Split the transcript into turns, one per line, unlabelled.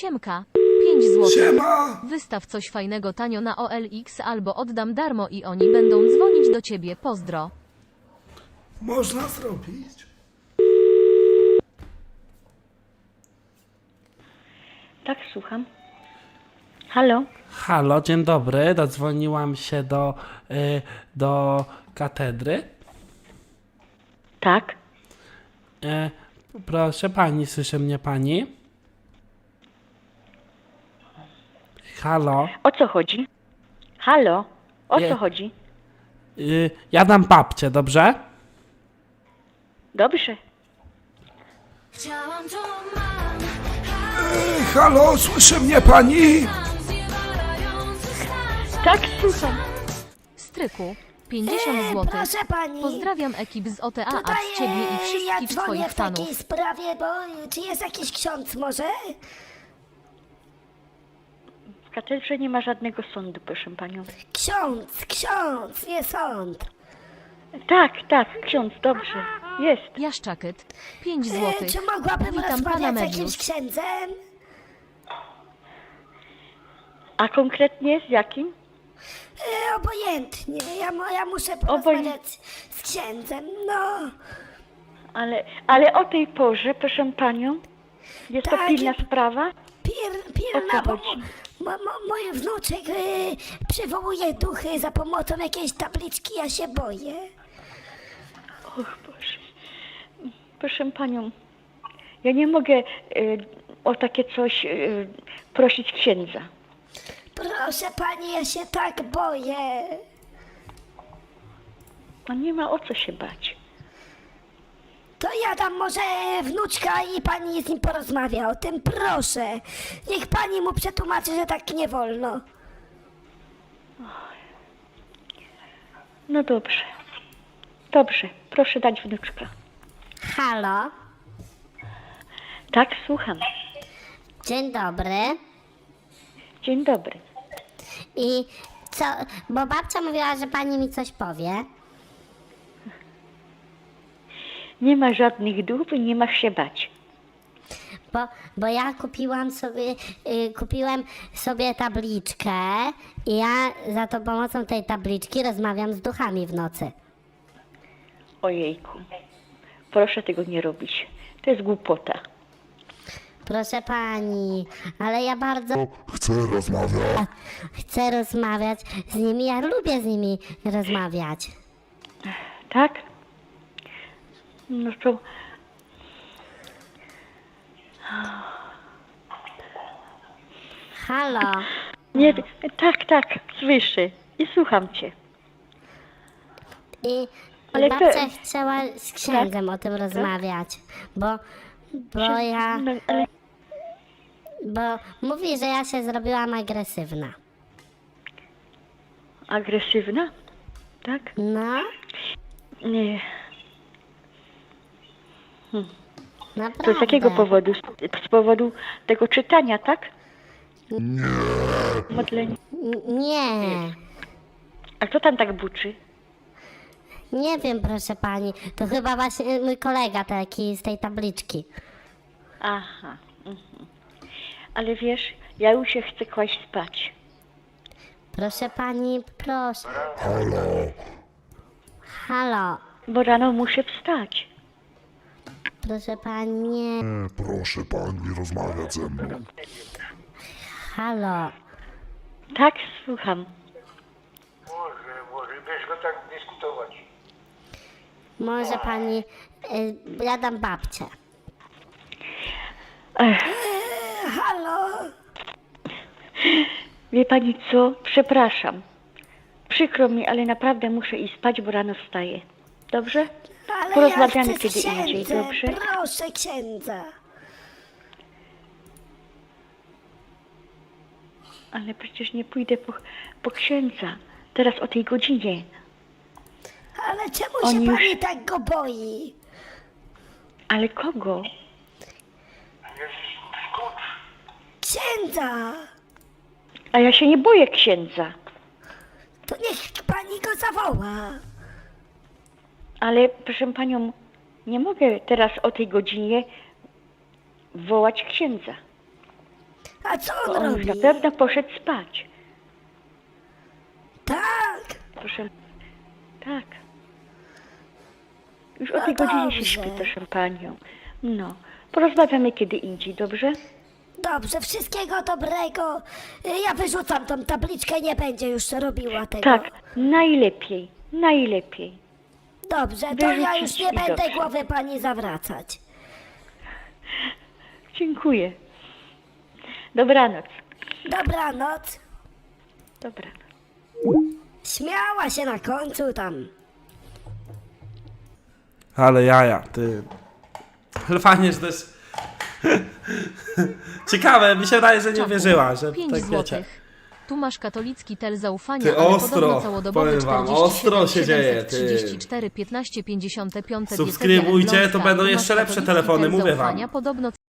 Siemka. 5 zł.
Siema!
Wystaw coś fajnego tanio na OLX albo oddam darmo i oni będą dzwonić do ciebie. Pozdro.
Można zrobić?
Tak, słucham. Halo?
Halo, dzień dobry. Dodzwoniłam się do katedry.
Tak.
Proszę pani, słyszy mnie pani? Halo?
O co chodzi? Halo? O
Nie.
co chodzi?
Ja dam babcię, dobrze?
Dobrze.
Halo, słyszy mnie pani?
Tak, słucham.
Stryku. 50 zł.
Proszę pani.
Pozdrawiam ekip z OTA, a
Tutaj,
ciebie i
ja
wszystkich
dzwonię
twoich
w takiej
fanów.
sprawie, bo czy jest jakiś ksiądz może?
W katedrze nie ma żadnego sądu, proszę panią.
Ksiądz, nie sąd.
Tak, ksiądz, dobrze. Jest.
Jaszczakyt. 5 zł.
Czy mogłabym
Witam pana
rozmawiać z jakimś
Medius.
księdzem?
A konkretnie z jakim?
Obojętnie, ja muszę porozmawiać z księdzem, no.
Ale o tej porze, proszę panią, jest to
Tak.
pilna sprawa?
Pilna,
O co
bo
chodzi?
mój wnuczek przywołuje duchy za pomocą jakiejś tabliczki, ja się boję.
Och Boże. Proszę panią, ja nie mogę o takie coś prosić księdza.
Proszę pani, ja się tak boję.
No nie ma o co się bać.
To ja dam może wnuczka i pani z nim porozmawia o tym, proszę. Niech pani mu przetłumaczy, że tak nie wolno.
No dobrze. Dobrze, proszę dać wnuczka.
Halo,
Tak, słucham.
dzień dobry.
Dzień dobry.
I co, bo babcia mówiła, że pani mi coś powie.
Nie ma żadnych dóbr i nie masz się bać.
Bo ja kupiłem sobie tabliczkę i ja za to pomocą tej tabliczki rozmawiam z duchami w nocy.
Ojejku. Proszę tego nie robić. To jest głupota.
Proszę pani, ale ja bardzo chcę rozmawiać z nimi, ja lubię z nimi rozmawiać.
Tak? No to...
Halo,
Nie, tak, słyszę. I słucham cię.
i
Ale
babcia
to-
chciała z księdzem o tym rozmawiać, bo ja,
No, ale
bo mówi, że ja się zrobiłam agresywna.
agresywna? Tak?
No,
Nie.
naprawdę.
To z jakiego powodu? Z powodu tego czytania, tak? Nie. Modlenia.
Nie,
A kto tam tak buczy?
nie wiem, proszę pani, to chyba właśnie mój kolega taki z tej tabliczki.
Aha. Ale wiesz, ja już się chcę kłaść spać.
Proszę pani, proszę. Halo,
Bo rano muszę wstać.
proszę pani, nie.
Proszę pani rozmawiać ze mną.
Halo,
Tak, słucham.
Może weźmy tak dyskutować.
może pani, ja dam babcię. Halo,
Wie pani co? Przepraszam. Przykro mi, ale naprawdę muszę iść spać, bo rano wstaję. Dobrze?
ale
Porozmawiamy
ja chcę z
kiedy indziej,
księdzem,
dobrze?
proszę księdza.
Ale przecież nie pójdę po księdza. Teraz o tej godzinie.
Ale czemu
Oni
się
już-
pani tak go boi?
Ale kogo?
Księdza,
A ja się nie boję księdza.
to niech pani go zawoła.
Ale proszę panią, nie mogę teraz o tej godzinie wołać księdza.
A co
Bo
on
on
robi?
już na pewno poszedł spać.
Tak,
Proszę. Tak. Już o tej
No
godzinie się
dobrze.
śpi, proszę panią. No. Porozmawiamy kiedy indziej, dobrze?
dobrze, wszystkiego dobrego. Ja wyrzucam tą tabliczkę, nie będzie już robiła tego.
Tak. Najlepiej. Najlepiej.
Dobrze, to ja już nie
Wyrzucić i
będę
dobrze.
głowy pani zawracać.
Dziękuję. Dobranoc.
Dobranoc.
Dobranoc.
Śmiała się na końcu tam.
Ale jaja, ty. Ale fajnie, że to jest... Ciekawe, mi się wydaje, że nie
Czaku.
wierzyła, że
5
tak wiecie.
złotych. Tu masz katolicki tel zaufania,
Ty,
ale
ostro,
podobno całodobowy
powiem wam,
47
ostro się dzieje, ty.
734 15 55
Subskrybujcie, to będą jeszcze lepsze telefony, mówię wam.
Podobno